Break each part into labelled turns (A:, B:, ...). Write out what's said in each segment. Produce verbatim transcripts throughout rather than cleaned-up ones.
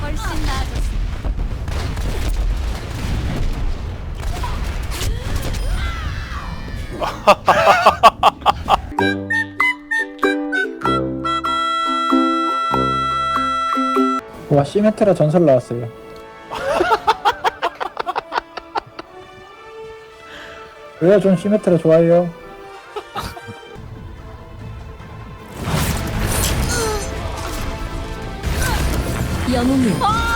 A: 훨씬 나아졌어.
B: 와, 시메트라 전설 나왔어요. 왜요? 전 시메트라 좋아해요.
A: 영웅이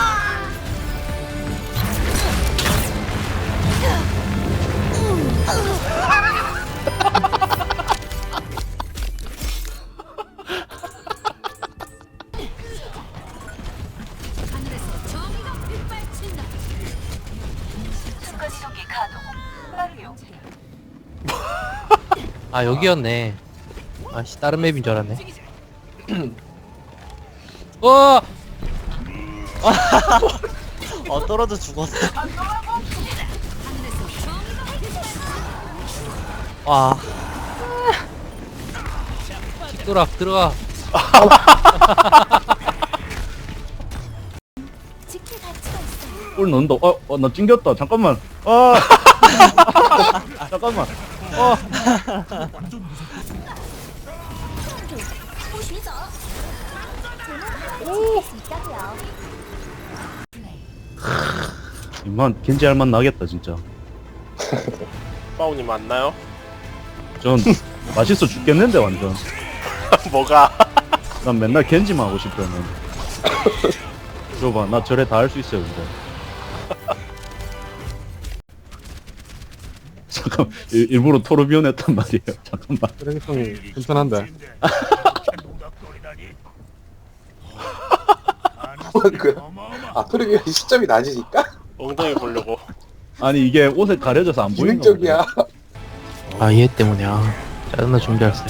A: 하늘에서 정의가 빗발친다. 순간이동기 가동. 빠르요.
C: 아 여기였네. 아씨 다른 맵인 줄 알았네. 어!
D: 어 떨어져 죽었어.
C: 와. 킥도락 들어가.
A: 지킬 가치가 있어요.
E: 골 넣는다. 어, 어, 나 찡겼다. 잠깐만. 아, 잠깐만. 어,
A: 보시죠. 저는 수 있다고요.
E: 이만 겐지 할맛 나겠다 진짜.
F: 빠우님 맞나요?
E: 전 맛있어 죽겠는데 완전.
F: 뭐가?
E: 난 맨날 겐지만 하고 싶다는. 줘봐, 나 절에 다 할 수 있어요 근데. 잠깐, 일, 일부러 토르비온 했단 말이에요. 잠깐만.
G: 쓰레기통이 괜찮은데.
H: 그, 아, 토르비온 시점이 낮으니까?
F: 엉덩이 보려고.
E: 아니 이게 옷에 가려져서 안 보이는 거
H: 기능적이야.
C: 아 얘 때문에 아 짜증나 준비했어요.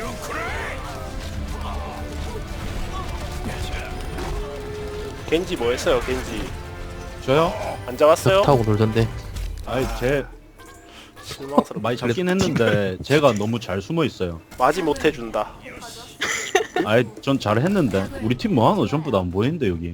F: 겐지 뭐 했어요, 겐지?
E: 저요?
F: 안 잡았어요?
C: 타고 놀던데.
E: 아니 제
F: 실망스럽.
E: 많이 잡긴 했는데 제가 너무 잘 숨어 있어요.
F: 맞이 못 해준다.
E: 아이 전 잘했는데 우리 팀 뭐하노? 전부 다 안 보이는데 여기.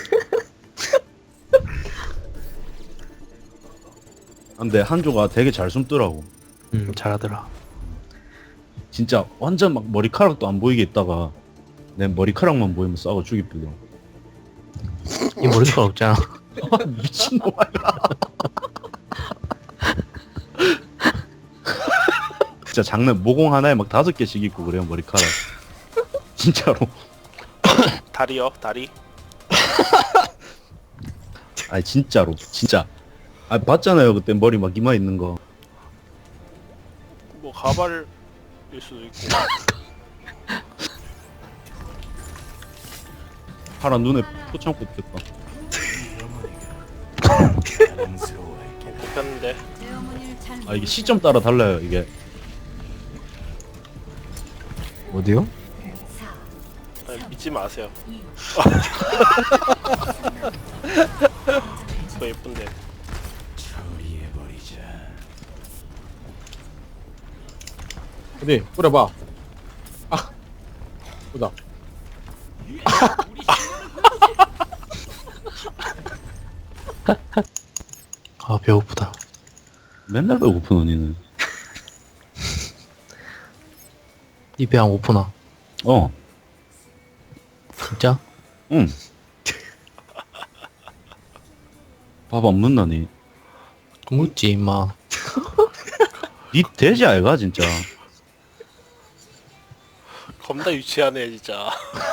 E: 근데 한조가 되게 잘 숨더라고.
C: 음 잘하더라.
E: 진짜 완전 막 머리카락도 안 보이게 있다가 내 머리카락만 보이면 싸워 죽이쁘더라고.
C: 이 머리카락 없잖아.
E: 미친놈아. 진짜 장난 모공 하나에 막 다섯 개씩 있고 그래요 머리카락. 진짜로.
F: 다리요, 다리.
E: 아니 진짜로 진짜. 아 봤잖아요 그때 머리 막 이마 있는 거.
F: 뭐 가발일 수도 있고.
E: 파란 눈에 포창 꽂혔다.
F: 뽑혔는데.
A: 제 어머니를 잘
E: 아 이게 시점 따라 달라요 이게.
G: 어디요?
F: 아니, 믿지 마세요. 그거 예쁜데.
G: 어디? 뿌려봐. 아, 보자.
C: 아 배고프다.
E: 맨날 배고픈 언니는.
C: 이 배 안 고프나?
E: 어.
C: 진짜?
E: 응. 밥 안 먹나니?
C: 묻지 임마.
E: 니 돼지 아이가 진짜.
F: 겁나 유치하네, 진짜.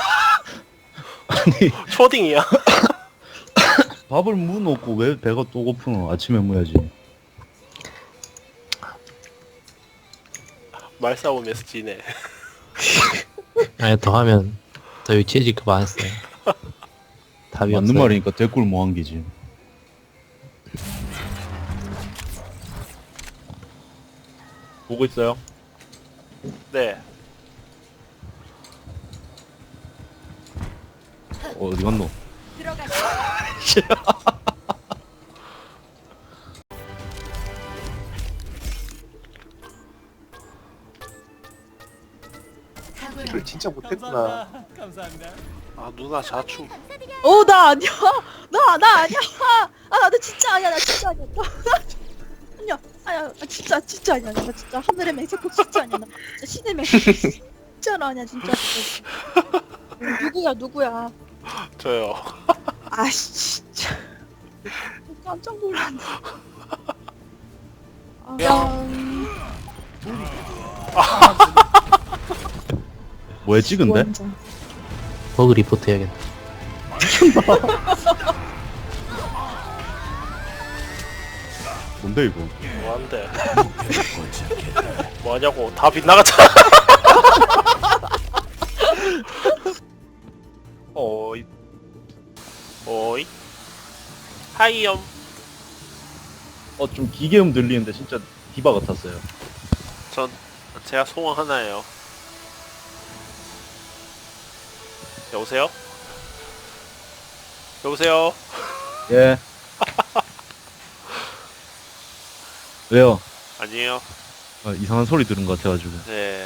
E: 아니
F: 초딩이야.
E: 밥을 무 놓고 왜 배가 또 고프노? 아침에 먹어야지.
F: 말싸움에서 지네.
C: 아니 더 하면 더 유치해질까 봐 안 했어요. 답이
E: 맞는
C: 없어요.
E: 말이니까 댓글 뭐 한 게지. 보고 있어요?
F: 네.
E: 어, 어디 갔노?
H: 를 진짜 못했구나.
F: 아, 누나 자축.
I: 어, 나 아니야. 나, 나 아니야. 아, 나 진짜 아니야. 나 진짜 아니야. 나, 아니야. 아니야. 나 진짜, 진짜 아니야. 나 진짜 하늘의 맹세코 진짜 아니야. 나 진짜 신의 맹세코 진짜로 아니야. 진짜. 누구야, 누구야.
F: 저요.
I: 아씨, 진짜. 깜짝 놀랐네. 아,
E: 뭐에 찍은데?
I: 원장.
C: 버그 리포트 해야겠다.
E: 뭔데 이거?
F: 뭐한데? 뭐하냐고. 다 빗나갔잖아. 오이. 오이. 하이엄.
E: 어 좀 기계음 들리는데 진짜 디바 같았어요.
F: 전 제가 소원 하나예요. 여보세요? 여보세요?
E: 예. 왜요?
F: 아니에요.
E: 아, 이상한 소리 들은 것 같아가지고.
F: 네.